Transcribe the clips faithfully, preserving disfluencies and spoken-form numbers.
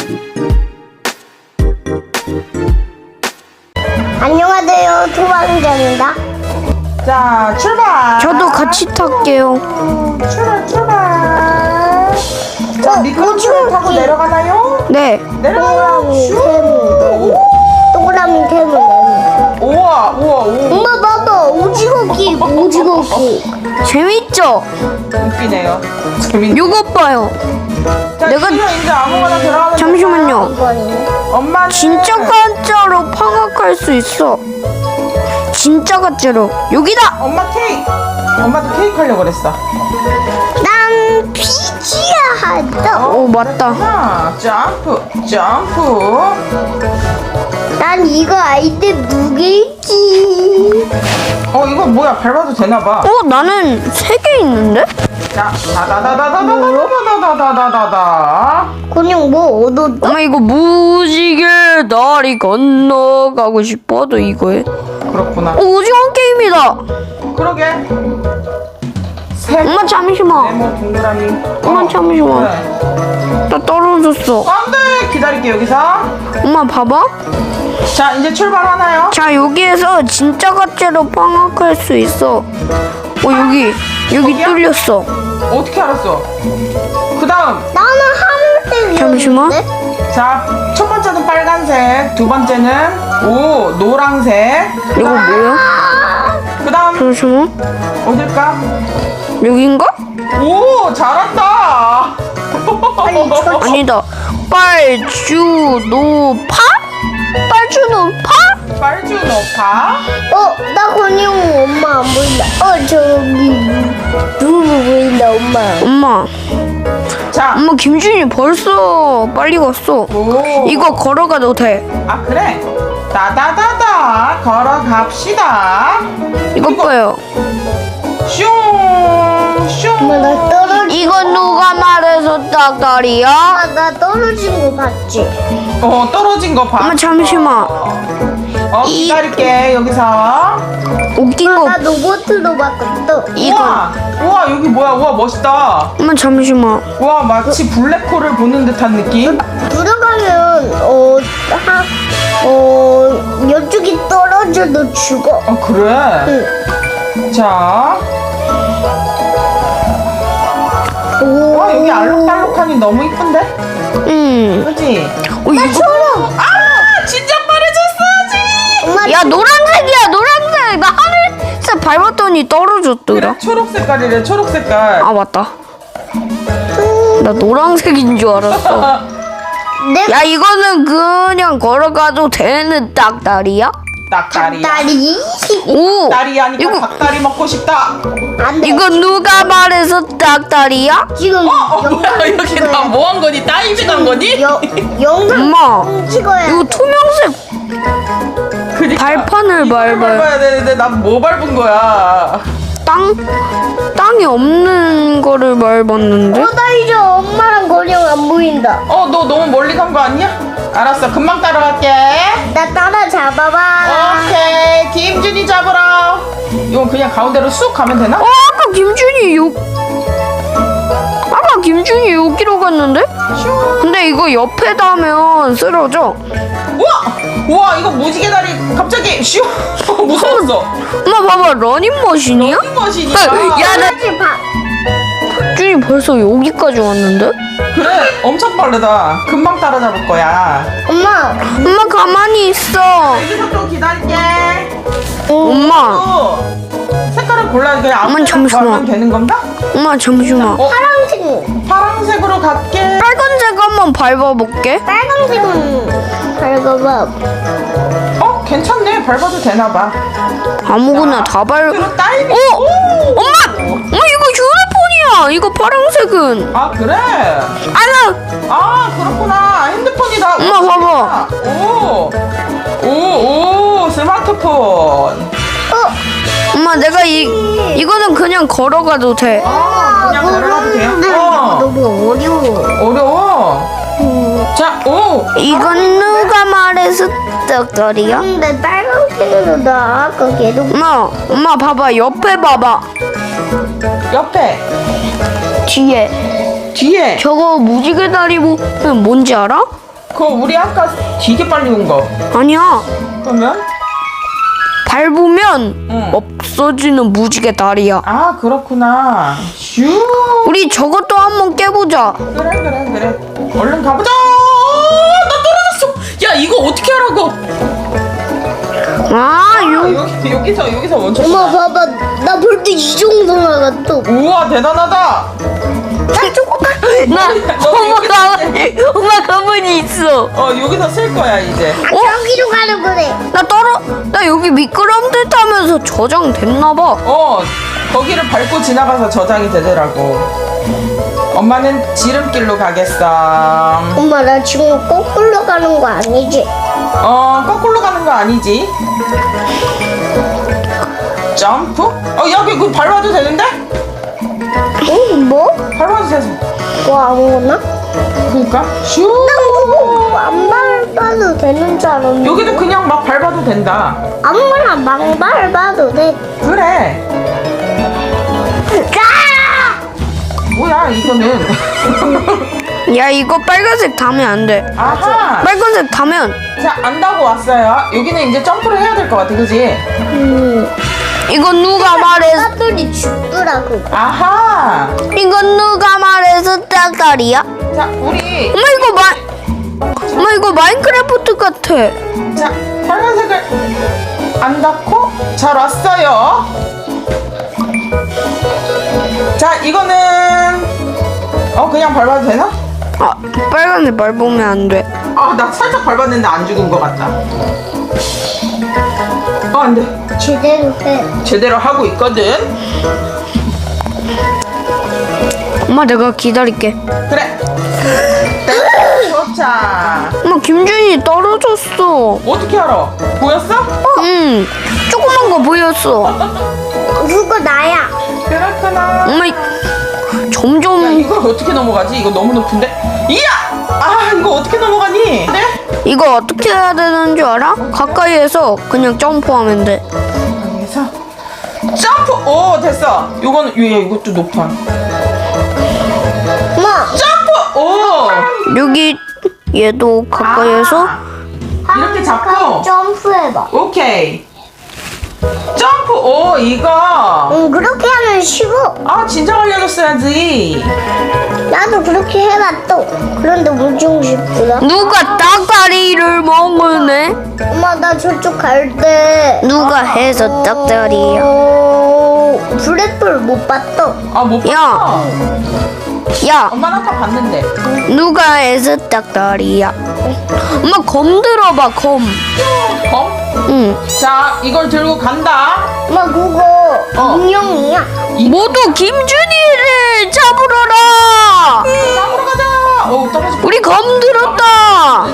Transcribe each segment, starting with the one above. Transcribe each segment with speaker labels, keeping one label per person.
Speaker 1: 안녕하세요, 토방장입니다.
Speaker 2: 자, 출발.
Speaker 3: 저도 같이 탈게요.
Speaker 2: 출발, 출발. 자, 미끄럼틀 타고 내려가나요?
Speaker 3: 네.
Speaker 2: 내려가요.
Speaker 1: 동그라미
Speaker 2: 슈.
Speaker 1: 세모. 동그라미 세모.
Speaker 2: 우와, 우와, 우와.
Speaker 1: 엄마 봐봐, 오징어기, 오징어기.
Speaker 3: 재밌죠?
Speaker 2: 웃기네요. 재밌네.
Speaker 3: 요거 봐요.
Speaker 2: 자,
Speaker 3: 내가-
Speaker 2: 지금 이제 아무거나 들어가면
Speaker 3: 잠시만요.
Speaker 1: 이거는
Speaker 2: 엄마는
Speaker 3: 진짜 가짜로 방학할 수 있어. 진짜 가짜로. 여기다.
Speaker 2: 엄마 케이크. 엄마도 케이크 하려고 그랬어.
Speaker 1: 난 피지야 한다.
Speaker 3: 오 맞다.
Speaker 2: 하나, 점프, 점프.
Speaker 1: 난 이거 아이들 무게있지.
Speaker 2: 어, 이거 뭐야? 밟아도 되나 봐.
Speaker 3: 어 나는 세 개 있는데?
Speaker 2: 자, 다다다다다다다다다다다다다.
Speaker 1: 그냥 뭐 얻어.
Speaker 3: 엄마 이거 무지개 다리 건너가고 싶어도 이거에.
Speaker 2: 그렇구나.
Speaker 3: 어 오징어 게임이다.
Speaker 2: 그러게. 세
Speaker 3: 엄마 잠시만.
Speaker 2: 네모 동그라미.
Speaker 3: 엄마 잠시만.
Speaker 2: 그래.
Speaker 3: 나 떨어졌어.
Speaker 2: 안돼. 기다릴게 여기서.
Speaker 3: 엄마 봐봐.
Speaker 2: 자, 이제 출발하나요?
Speaker 3: 자 여기에서 진짜 가짜로 방학할 수 있어. 어 여기 여기
Speaker 2: 거기야?
Speaker 3: 뚫렸어.
Speaker 2: 어떻게 알았어? 그 다음.
Speaker 1: 나는 하늘색.
Speaker 3: 잠시만.
Speaker 2: 자, 첫 번째는 빨간색, 두 번째는 오 노랑색.
Speaker 3: 이거 뭐야?
Speaker 2: 그 다음
Speaker 3: 잠시만.
Speaker 2: 어딜까?
Speaker 3: 여긴가?
Speaker 2: 오, 잘한다.
Speaker 3: 아니다. 빨주노파? 빨주노파?
Speaker 2: 빨주노파.
Speaker 1: 어, 나 그냥 엄마 안 보인다. 어, 저기 누구 보인다, 엄마.
Speaker 3: 엄마,
Speaker 2: 자,
Speaker 3: 엄마 김준이 벌써 빨리 갔어.
Speaker 2: 오.
Speaker 3: 이거 걸어가도 돼.
Speaker 2: 아, 그래? 다다다다 걸어갑시다.
Speaker 3: 이거 봐요.
Speaker 2: 슝, 슝.
Speaker 1: 엄마, 나 떨어진
Speaker 3: 이거 누가 말해서 딱다리야?
Speaker 1: 아, 나 떨어진 거 봤지?
Speaker 2: 어, 떨어진 거 봐.
Speaker 3: 엄마 잠시만.
Speaker 2: 어,
Speaker 3: 이-
Speaker 2: 기다릴게 여기서.
Speaker 3: 웃긴 거.
Speaker 1: 나 로봇으로 바꿨어.
Speaker 3: 이거.
Speaker 2: 우와, 우와 여기 뭐야? 우와 멋있다.
Speaker 3: 엄마 잠시만.
Speaker 2: 우와 마치 블랙홀을 보는 듯한 느낌.
Speaker 1: 들어가면 어, 하, 어, 이쪽이 떨어져도 죽어.
Speaker 2: 어 그래.
Speaker 1: 응.
Speaker 2: 자,
Speaker 1: 오.
Speaker 2: 와 여기 알록달록하니 너무 이쁜데?
Speaker 3: 음.
Speaker 2: 그렇지?
Speaker 3: 어, 이거.
Speaker 1: 초록.
Speaker 2: 아, 진작 말해줬어야지.
Speaker 1: 엄마,
Speaker 3: 야 노란색이야 노란색. 나 하늘색 밟았더니 떨어졌더라.
Speaker 2: 그래, 초록 색깔이래. 초록 색깔.
Speaker 3: 아 맞다. 나 노란색인 줄 알았어.
Speaker 1: 내
Speaker 3: 야 이거는 그냥 걸어가도 되는 딱다리야?
Speaker 2: 닭다리야.
Speaker 1: 다리.
Speaker 3: 오.
Speaker 2: 닭다리 하니까
Speaker 3: 이거
Speaker 2: 닭다리 먹고 싶다.
Speaker 1: 안 돼.
Speaker 3: 이거 누가 말해서 딱다리야?
Speaker 1: 지금
Speaker 2: 어, 뭐야
Speaker 1: 영상
Speaker 2: 여기
Speaker 1: 찍어야
Speaker 2: 나 뭐 한 거니? 다이빙 한 거니?
Speaker 1: 여, 영상
Speaker 3: 엄마
Speaker 1: 찍어야
Speaker 3: 이거 투명색
Speaker 2: 그러니까
Speaker 3: 발판을
Speaker 2: 이거를
Speaker 3: 밟아요.
Speaker 2: 밟아야 되는데 난 뭐 밟은 거야?
Speaker 3: 땅 땅이 없는 거를 밟았는데.
Speaker 1: 어, 나 이제 엄마랑 거리가 안 보인다.
Speaker 2: 어, 너 너무 멀리 간 거 아니야? 알았어, 금방 따라갈게.
Speaker 1: 나 따라 잡아봐.
Speaker 2: 오케이, 김준이 잡으러. 이건 그냥 가운데로 쑥 가면 되나?
Speaker 3: 어 아까 김준이 요 아까 김준이 여기로 갔는데?
Speaker 2: 슝.
Speaker 3: 근데 이거 옆에 닿으면 쓰러져.
Speaker 2: 우와, 우와, 이거 무지개 다리 갑자기 슈. 무서웠어.
Speaker 3: 엄마 봐봐 러닝머신이야?
Speaker 2: 러닝머신이야.
Speaker 3: 야, 나
Speaker 1: 다시 봐.
Speaker 3: 준이 벌써 여기까지 왔는데?
Speaker 2: 그래, 엄청 빠르다. 금방 따라잡을 거야.
Speaker 1: 엄마.
Speaker 3: 엄마 가만히 있어.
Speaker 2: 여기서 또 기다릴게.
Speaker 3: 엄마,
Speaker 2: 또 색깔을 골라 그냥 아무
Speaker 3: 어머니,
Speaker 2: 데나
Speaker 3: 잠시만.
Speaker 2: 걸면 되는 건가?
Speaker 3: 엄마 잠시만.
Speaker 2: 어,
Speaker 1: 파란색.
Speaker 2: 파란색으로 갈게.
Speaker 3: 빨간색 한번 밟아볼게.
Speaker 1: 빨간색은 밟아봐.
Speaker 2: 어, 괜찮네. 밟아도 되나 봐.
Speaker 3: 아무거나 다 밟.
Speaker 2: 그리고 다이빙.
Speaker 3: 어,
Speaker 2: 오!
Speaker 3: 엄마, 엄마 이거 휴대폰이야. 이거 파란색은.
Speaker 2: 아, 그래?
Speaker 3: 아나,
Speaker 2: 아, 그렇구나. 핸드폰이다.
Speaker 3: 엄마,
Speaker 2: 오,
Speaker 3: 봐봐.
Speaker 2: 오, 오, 오, 스마트폰.
Speaker 1: 어,
Speaker 3: 엄마 내가 이 이거는 그냥 걸어가도 돼.
Speaker 2: 아, 그냥 걸어가도 돼요?
Speaker 1: 그런데
Speaker 2: 어,
Speaker 1: 너무 어려워.
Speaker 2: 어려워. 자, 오.
Speaker 3: 이건 누가 말해서 떡거리야?
Speaker 1: 근데 빨간색으로 나 아까 계속
Speaker 3: 엄마, 엄마 봐봐 옆에 봐봐.
Speaker 2: 옆에,
Speaker 3: 뒤에
Speaker 2: 뒤에.
Speaker 3: 저거 무지개 다리 뭐 뭔지 알아?
Speaker 2: 그거 우리 아까 되게 빨리 온 거.
Speaker 3: 아니야.
Speaker 2: 그러면?
Speaker 3: 밟으면
Speaker 2: 응.
Speaker 3: 없어지는 무지개 다리야.
Speaker 2: 아 그렇구나. 슈.
Speaker 3: 우리 저것도 한번 깨보자.
Speaker 2: 그래 그래 그래. 얼른 가보자. 어, 나 떨어졌어. 야 이거 어떻게 하라고?
Speaker 3: 아,
Speaker 2: 아,
Speaker 3: 요.
Speaker 2: 여기 여기서 여기서 멈췄어.
Speaker 1: 엄마 봐봐, 나 볼 때 이 정도 나갔어.
Speaker 2: 우와 대단하다.
Speaker 1: 나 조금만.
Speaker 3: 나 엄마 가 엄마 가만히 있어.
Speaker 2: 어 여기서 쓸 거야 이제.
Speaker 1: 저기로 가는 거래.
Speaker 3: 나 떨어. 나 여기 미끄럼틀 타면서 저장됐나 봐.
Speaker 2: 어 거기를 밟고 지나가서 저장이 되더라고. 엄마는 지름길로 가겠어.
Speaker 1: 엄마 나 지금 거꾸로 가는 거 아니지?
Speaker 2: 어 거꾸로 가는 거 아니지? 점프? 어 여기 그 밟아도 되는데?
Speaker 1: 응? 뭐?
Speaker 2: 밟아도 되서.
Speaker 1: 뭐 아무거나?
Speaker 2: 그러니까 슈.
Speaker 1: 그거 안 밟아도 되는 줄 알았는데.
Speaker 2: 여기도 그냥 막 밟아도 된다.
Speaker 1: 아무거나 막 밟아도 돼.
Speaker 2: 그래.
Speaker 1: 아!
Speaker 2: 뭐야 이거는.
Speaker 3: 야, 이거 빨간색 타면 안 돼.
Speaker 2: 아하.
Speaker 3: 빨간색 타면
Speaker 2: 자 안다고 왔어요. 여기는 이제 점프를 해야 될 것 같아, 그지?
Speaker 1: 음.
Speaker 3: 이거 누가 말해서
Speaker 1: 사람들이 죽더라고.
Speaker 2: 아하.
Speaker 3: 이건 누가 말해서 딱다리야?
Speaker 2: 자 우리
Speaker 3: 엄마 이거 마 엄마 이거 마인크래프트 같아.
Speaker 2: 자 빨간색을 안 닿고 잘 왔어요. 자 이거는 어 그냥 밟아도 되나?
Speaker 3: 아, 빨간색 밟으면 안 돼.
Speaker 2: 아 나 살짝 밟았는데 안 죽은 것 같다. 어 안돼.
Speaker 1: 제대로 해.
Speaker 2: 제대로 하고 있거든.
Speaker 3: 엄마 내가 기다릴게.
Speaker 2: 그래. 좋자.
Speaker 3: 엄마 김준이 떨어졌어.
Speaker 2: 어떻게 알아? 보였어?
Speaker 3: 응, 조그만 거 보였어.
Speaker 1: 그거 나야.
Speaker 2: 그렇구나.
Speaker 3: 엄마 이-
Speaker 2: 야,
Speaker 3: 점점
Speaker 2: 이걸 어떻게 넘어가지? 이거 너무 높은데? 이야! 아 이거 어떻게 넘어가니? 네?
Speaker 3: 이거 어떻게 해야 되는 줄 알아? 가까이에서 그냥 점프하면 돼.
Speaker 2: 여기서 점프! 오 됐어. 요거는 얘 이것도 높아.
Speaker 1: 엄마.
Speaker 2: 점프! 오!
Speaker 3: 여기 얘도 가까이에서
Speaker 2: 아, 이렇게 잡고
Speaker 1: 점프해봐.
Speaker 2: 오케이. 점프! 오 이거
Speaker 1: 응, 그렇게 하면 쉬워.
Speaker 2: 아 진작 알려줬어야지.
Speaker 1: 나도 그렇게 해봤어. 그런데 엄청 쉽더라.
Speaker 3: 누가 딱다리를 먹으네?
Speaker 1: 엄마, 나 저쪽 갈 때.
Speaker 3: 누가 해서 딱다리야?
Speaker 1: 어, 블랙볼 못 봤어.
Speaker 2: 아못 봤어.
Speaker 3: 야. 야,
Speaker 2: 엄마는 아까 봤는데.
Speaker 3: 누가 해서 딱다리야? 엄마 검 들어봐, 검.
Speaker 2: 검?
Speaker 3: 응.
Speaker 2: 자 이걸 들고 간다.
Speaker 1: 엄마, 그거
Speaker 2: 어.
Speaker 1: 인형이야.
Speaker 3: 모두 김준이를 잡으러라.
Speaker 2: 잡으러 가자. 오 떨어져.
Speaker 3: 우리 검 들었다.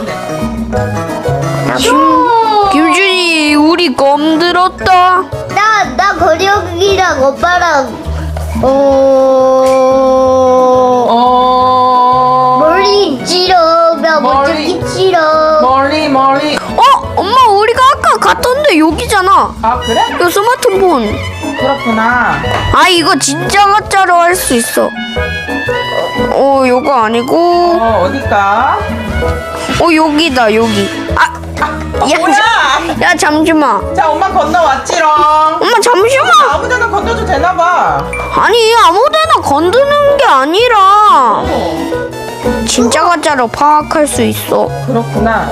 Speaker 2: 슈.
Speaker 3: 김준이, 우리 검 들었다.
Speaker 1: 나, 나 거력이랑 오빠랑, 어,
Speaker 2: 어.
Speaker 1: 머리 찌르며
Speaker 2: 머리.
Speaker 1: 어떻게 찌러.
Speaker 2: 멀리 멀리.
Speaker 3: 어, 엄마 우리가 아까 갔던데 여기잖아.
Speaker 2: 아 그래?
Speaker 3: 이거 스마트폰.
Speaker 2: 그렇구나.
Speaker 3: 아, 이거 진짜 가짜로 할 수 있어. 어, 요거 아니고.
Speaker 2: 어 어딜까?
Speaker 3: 어, 여기다, 여기. 아,
Speaker 2: 어,
Speaker 3: 야,
Speaker 2: 뭐야?
Speaker 3: 야, 잠시만.
Speaker 2: 자 엄마 건너왔지롱.
Speaker 3: 엄마, 잠시만.
Speaker 2: 아무데나 건너도 되나봐.
Speaker 3: 아니, 아무데나 건드는 게 아니라
Speaker 2: 어,
Speaker 3: 진짜 가짜로 파악할 수 있어.
Speaker 2: 그렇구나.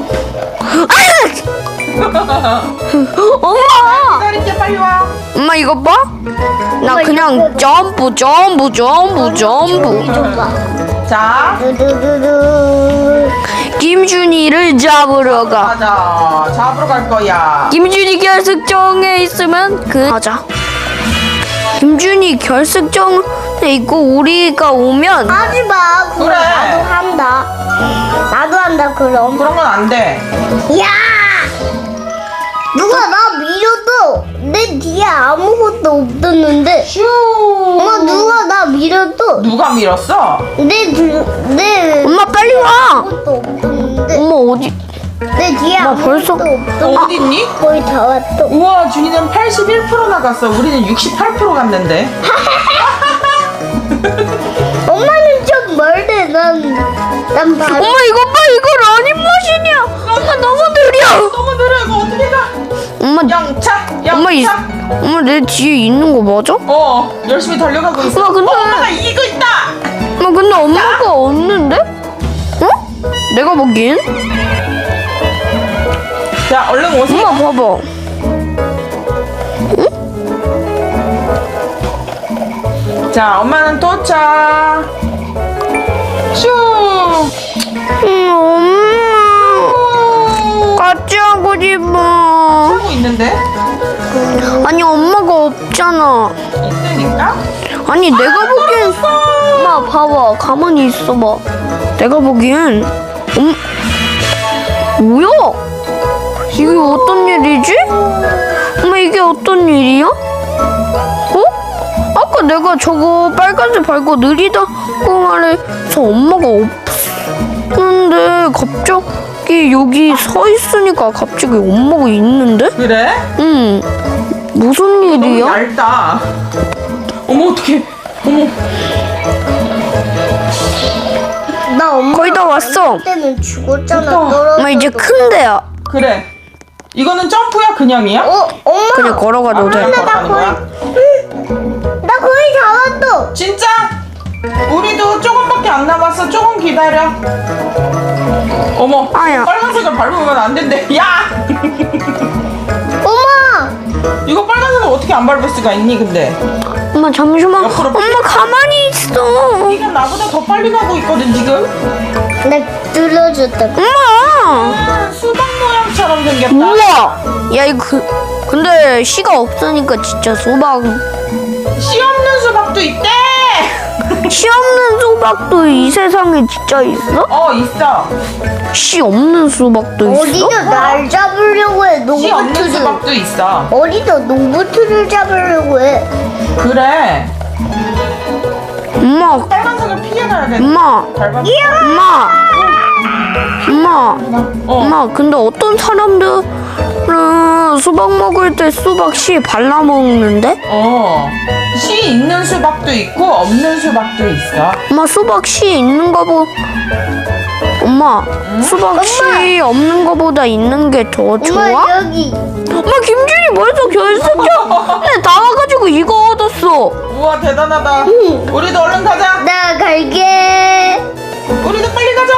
Speaker 3: 엄마!
Speaker 2: 기다릴게 빨리 와.
Speaker 3: 엄마, 이거 봐? 나 그냥 점프, 점프, 점프, 점프.
Speaker 1: 좀 봐.
Speaker 2: 자
Speaker 1: 두두두두.
Speaker 3: 김준이를 잡으러 가.
Speaker 2: 가자. 잡으러 갈 거야.
Speaker 3: 김준이 결승정에 있으면 그 가자. 김준이 결승정에 있고 우리가 오면
Speaker 1: 하지 마. 그럼
Speaker 2: 그래.
Speaker 1: 나도 한다. 나도 한다, 그럼.
Speaker 2: 그런 건 안 돼.
Speaker 1: 야! 누가 나 밀어도 내 뒤에 아무것도 없었는데.
Speaker 2: 슈.
Speaker 1: 엄마, 누가 나 밀어도
Speaker 2: 누가 밀었어?
Speaker 1: 내, 뒤- 내
Speaker 3: 엄마 빨리 와.
Speaker 1: 아무것도 없었는데.
Speaker 3: 엄마 어디?
Speaker 1: 내 뒤에
Speaker 3: 엄마,
Speaker 1: 아무것도
Speaker 3: 벌써-
Speaker 1: 없었는데.
Speaker 2: 어디 있니?
Speaker 1: 거의 다 왔어.
Speaker 2: 우와 준이는 팔십일 퍼센트 나갔어. 우리는 육십팔 퍼센트 갔는데.
Speaker 1: 엄마는 좀 멀대. 난, 난 바로.
Speaker 3: 엄마 이거 봐, 이거 엄마,
Speaker 2: 영차
Speaker 3: 엄마, 이,
Speaker 2: 영차.
Speaker 3: 엄마 내 뒤에 있는 거 맞아?
Speaker 2: 어 열심히 달려가고 있어.
Speaker 3: 엄마, 근데-
Speaker 2: 어, 엄마가 이기고 있다.
Speaker 3: 엄마 근데 엄마가 없는데? 어? 내가 보기엔?
Speaker 2: 자 얼른 오세요.
Speaker 3: 엄마 봐봐.
Speaker 2: 자 엄마는 도착. 슈.
Speaker 3: 음, 엄마 같이 하고 싶어.
Speaker 2: 하고 있는데
Speaker 3: 아니 엄마가 없잖아.
Speaker 2: 있으니까.
Speaker 3: 아니 내가 보기엔 엄마 봐봐 가만히 있어봐. 내가 보기엔 엄 뭐야? 이게 어떤 일이지? 엄마 이게 어떤 일이야? 어? 아까 내가 저거 빨간색 밟고 느리다고 말해서 엄마가 없는데 갑자기 여기 서 있으니까 갑자기 엄마가 있는데?
Speaker 2: 그래?
Speaker 3: 응. 무슨
Speaker 2: 너무
Speaker 3: 일이야?
Speaker 2: 얇다. 어머 어떡해. 어머.
Speaker 1: 나 엄마
Speaker 3: 거의 다 왔어.
Speaker 1: 때는 죽었잖아.
Speaker 2: 됐다.
Speaker 1: 떨어져.
Speaker 3: 엄마 이제 큰 데야.
Speaker 2: 그래. 이거는 점프야 그냥이야?
Speaker 1: 어 엄마.
Speaker 3: 그래 걸어가도 돼.
Speaker 2: 아,
Speaker 1: 나
Speaker 2: 걸어가는
Speaker 1: 거의
Speaker 2: 거야?
Speaker 1: 응. 나 거의 다 왔어.
Speaker 2: 진짜? 우리도 조금밖에 안 남았어. 조금 기다려. 어머.
Speaker 3: 아야.
Speaker 2: 빨간색을 밟으면 안 된대. 야!
Speaker 1: 엄마.
Speaker 2: 이거 빨간색을 어떻게 안 밟을 수가 있니 근데?
Speaker 3: 엄마 잠시만.
Speaker 2: 옆으로
Speaker 3: 엄마 가만히 있어.
Speaker 2: 네가 나보다 더 빨리 가고 있거든 지금.
Speaker 1: 나 뚫어줬다.
Speaker 3: 엄마.
Speaker 2: 아, 수박 모양처럼 생겼다.
Speaker 3: 우와. 야 이거 그, 근데 씨가 없으니까 진짜 수박.
Speaker 2: 씨 없는 수박도 있대.
Speaker 3: 씨 없는 수박도 이 세상에 진짜 있어?
Speaker 2: 어 있어.
Speaker 3: 씨 없는 수박도 있어?
Speaker 1: 어디서 날 잡으려고 해?
Speaker 2: 씨 없는
Speaker 1: 농부트를.
Speaker 2: 수박도 있어.
Speaker 1: 어디서 농부트를 잡으려고 해?
Speaker 2: 그래.
Speaker 3: 엄마.
Speaker 2: 빨간색을 피해가야 돼.
Speaker 3: 엄마.
Speaker 2: 밟아.
Speaker 3: 엄마. 엄마.
Speaker 2: 어.
Speaker 3: 엄마 근데 어떤 사람들은 수박 먹을 때 수박 씨 발라 먹는데?
Speaker 2: 어. 씨 있는 수박도 있고 없는 수박도 있어.
Speaker 3: 엄마 수박 씨 있는 거보 엄마 수박 씨 없는 거보다 있는 게 더 좋아?
Speaker 1: 엄마 여기.
Speaker 3: 엄마 김준이 벌써 결승전에 나와가지고 이거 얻었어.
Speaker 2: 우와 대단하다. 우리도 얼른 가자.
Speaker 1: 나 갈게.
Speaker 2: 우리도 빨리 가자.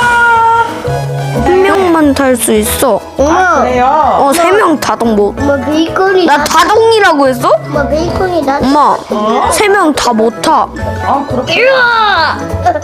Speaker 3: 한 명만 탈 수 있어.
Speaker 1: 엄마.
Speaker 2: 아, 그래요.
Speaker 3: 어 세 명 다동 못.
Speaker 1: 엄마 베이컨이
Speaker 3: 나
Speaker 1: 나.
Speaker 3: 다동이라고 했어?
Speaker 1: 엄마 베이컨이 나.
Speaker 3: 엄마
Speaker 2: 어?
Speaker 3: 세 명 다 못 타.
Speaker 2: 아 그렇게.
Speaker 1: 일로와.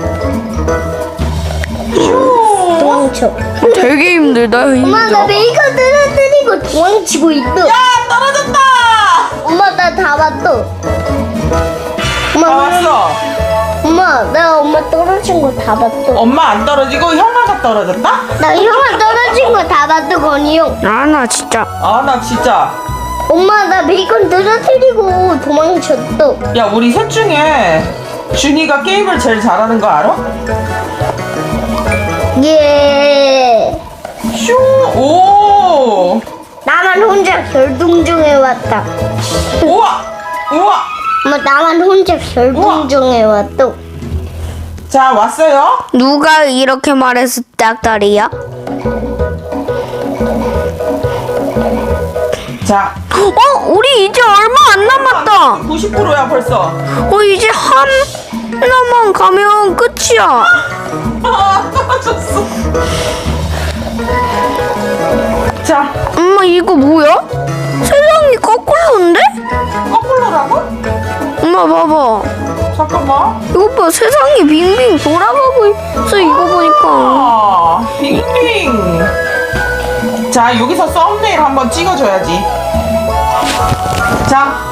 Speaker 2: 휴.
Speaker 1: 도망쳐.
Speaker 3: 되게 힘들다.
Speaker 1: 엄마 나
Speaker 3: 힘들어.
Speaker 1: 베이컨 떨어뜨리고 도망치고 있어.
Speaker 2: 야 떨어졌다.
Speaker 1: 엄마 나 다 봤어.
Speaker 2: 다
Speaker 1: 엄마
Speaker 2: 왔어.
Speaker 1: 엄마 나 엄마 떨어진 거 다 봤어.
Speaker 2: 엄마 안 떨어지고 형아가 떨어졌다?
Speaker 1: 나 형아 떨어진 거 다 봤어 건이 형.
Speaker 3: 아 나 진짜.
Speaker 2: 아 나 진짜.
Speaker 1: 엄마 나 베이컨 떨어뜨리고 도망쳤어.
Speaker 2: 야 우리 셋 중에 준이가 게임을 제일 잘하는 거 알아?
Speaker 1: 예.
Speaker 2: 슝. 오.
Speaker 1: 나만 혼자 결동정에 왔다.
Speaker 2: 우와. 우와.
Speaker 1: 엄마 나만 혼자 결동정에 왔어.
Speaker 2: 자 왔어요.
Speaker 3: 누가 이렇게 말해서 딱다리야?
Speaker 2: 자.
Speaker 3: 어 우리 이제 얼마 안 남았다.
Speaker 2: 구십 퍼센트야 벌써.
Speaker 3: 어 이제 하나만 가면 끝이야.
Speaker 2: 아 떨어졌어. 자
Speaker 3: 엄마 이거 뭐야? 세상이 거꾸로인데?
Speaker 2: 거꾸로라고?
Speaker 3: 엄마 봐봐.
Speaker 2: 잠깐만.
Speaker 3: 이거 봐 세상이 빙빙 돌아가고 있어 이거 보니까.
Speaker 2: 아 빙빙. 자 여기서 썸네일 한번 찍어줘야지. 자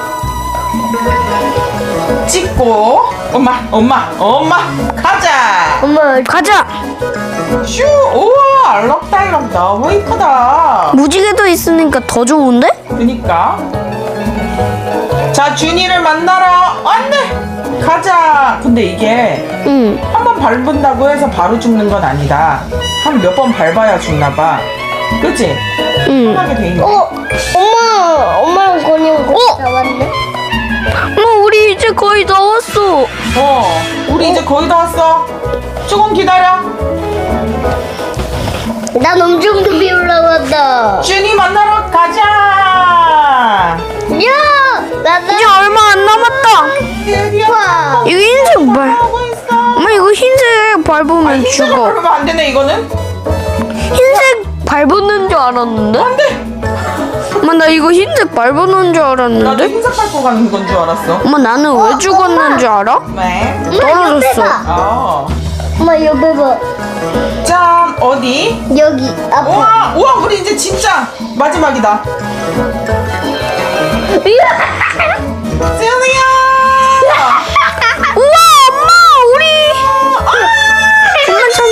Speaker 2: 찍고 엄마 엄마 엄마 가자.
Speaker 1: 엄마
Speaker 3: 가자.
Speaker 2: 슈 우와 알록달록 너무 이쁘다.
Speaker 3: 무지개도 있으니까 더 좋은데?
Speaker 2: 그니까. 자 준이를 만나러 안돼 가자. 근데 이게
Speaker 3: 응.
Speaker 2: 한 번 밟은다고 해서 바로 죽는 건 아니다. 한 몇 번 밟아야 죽나봐. 그치?
Speaker 3: 응.
Speaker 2: 편하게 돼 있네.
Speaker 1: 어 엄마 엄마랑 건이 형
Speaker 3: 어?
Speaker 1: 다 왔네.
Speaker 3: 엄마 우리 이제 거의 다 왔어.
Speaker 2: 어 우리 이제 거의 다 왔어. 조금 기다려.
Speaker 1: 난 엄청 급히 올라왔다.
Speaker 2: 준이 만나러 가자.
Speaker 1: 나도.
Speaker 3: 이제 얼마 안 남았다.
Speaker 2: 드디어
Speaker 1: 와.
Speaker 3: 이거 흰색 발.
Speaker 2: 하고 있어.
Speaker 3: 엄마 이거 흰색 밟으면
Speaker 2: 아, 흰색을
Speaker 3: 죽어.
Speaker 2: 바르면 안 되네 이거는.
Speaker 3: 흰색 밟는 줄 알았는데?
Speaker 2: 안 돼.
Speaker 3: 엄마 나 이거 흰색 밟는 줄
Speaker 2: 나도
Speaker 3: 알았는데?
Speaker 2: 흰색 밟고 가는 건 줄 알았어.
Speaker 3: 엄마 나는 왜 죽었는 줄 알아?
Speaker 2: 네.
Speaker 3: 떨어졌어.
Speaker 2: 어.
Speaker 1: 엄마 옆에 봐.
Speaker 2: 짠 어디?
Speaker 1: 여기 앞에.
Speaker 2: 우와 우와 우리 이제 진짜 마지막이다. 수연이야.
Speaker 3: 우와 엄마 우리 엄마 참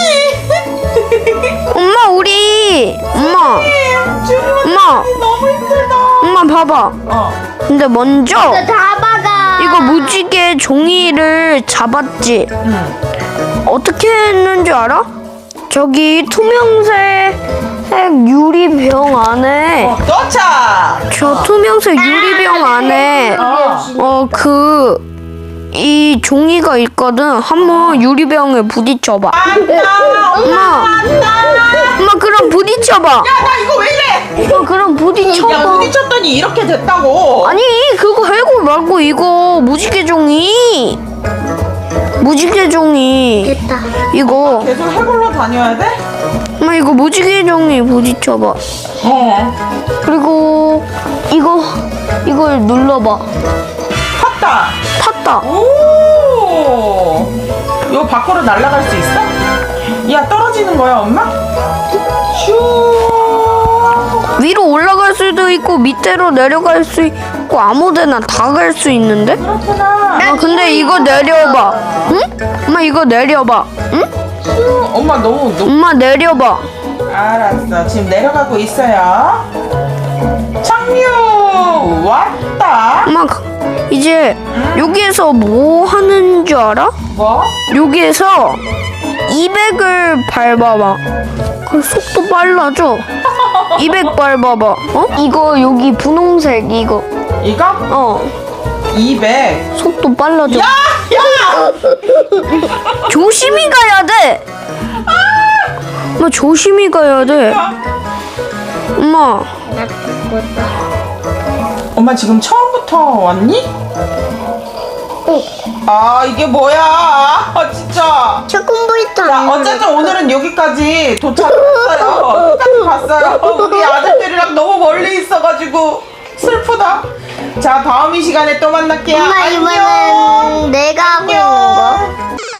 Speaker 3: 엄마 우리 엄마 엄마
Speaker 2: 너무 힘들다.
Speaker 3: 엄마 봐봐.
Speaker 2: 어.
Speaker 3: 근데 먼저
Speaker 1: 나 잡아가.
Speaker 3: 이거 무지개 종이를 잡았지.
Speaker 2: 응.
Speaker 3: 어떻게 했는 줄 알아? 저기 투명색 유리병 안에
Speaker 2: 어, 도착.
Speaker 3: 저 투명색 유리병 안에
Speaker 2: 어.
Speaker 3: 어 그 이 종이가 있거든. 한번 유리병에 부딪혀봐.
Speaker 2: 안다.
Speaker 3: 엄마 엄마 그럼 부딪혀봐.
Speaker 2: 야 나 이거 왜 이래?
Speaker 3: 엄마 그럼
Speaker 2: 야
Speaker 3: 부딪혀봐.
Speaker 2: 부딪혔더니 이렇게 됐다고.
Speaker 3: 아니 그거 해고 말고 이거 무지개 종이 무지개 종이
Speaker 1: 됐다.
Speaker 3: 이거
Speaker 2: 계속 해골로 다녀야 돼?
Speaker 3: 엄마 이거 무지개 종이 부딪혀봐.
Speaker 2: 어.
Speaker 3: 그리고 이거 이걸 눌러봐.
Speaker 2: 탔다.
Speaker 3: 탔다.
Speaker 2: 오. 이거 밖으로 날아갈 수 있어? 야 떨어지는 거야 엄마? 슈.
Speaker 3: 위로 올라갈 수도 있고 밑으로 내려갈 수 있고 아무데나 다 갈 수 있는데?
Speaker 2: 그렇구나.
Speaker 3: 아 근데 이거 내려봐. 응? 엄마 이거 내려봐. 응?
Speaker 2: 슈. 엄마 너무 높.
Speaker 3: 엄마 내려봐.
Speaker 2: 알았어. 지금 내려가고 있어요. 착륙 왔다.
Speaker 3: 엄마 이제 여기에서 뭐 하는 줄 알아?
Speaker 2: 뭐?
Speaker 3: 여기에서 이백을 밟아봐. 그럼 속도 빨라져. 이백 밟아봐. 어? 이거 여기 분홍색 이거.
Speaker 2: 이거?
Speaker 3: 어.
Speaker 2: 이백.
Speaker 3: 속도 빨라져.
Speaker 2: 야! 야!
Speaker 3: 조심히 가야 돼. 엄마 조심히 가야 돼. 엄마.
Speaker 1: 나 죽었다.
Speaker 2: 엄마 지금 처음부터 왔니?
Speaker 1: 어.
Speaker 2: 아 이게 뭐야? 아 진짜.
Speaker 1: 조금부터.
Speaker 2: 자 어쨌든 오늘은 여기까지 도착했어요. 끝까지 봤어요. 우리 아들들이랑 너무 멀리 있어가지고 슬프다. 자 다음 이 시간에 또 만날게요.
Speaker 1: 엄마
Speaker 2: 안녕.
Speaker 1: 이번엔 내가 하고 있는 거.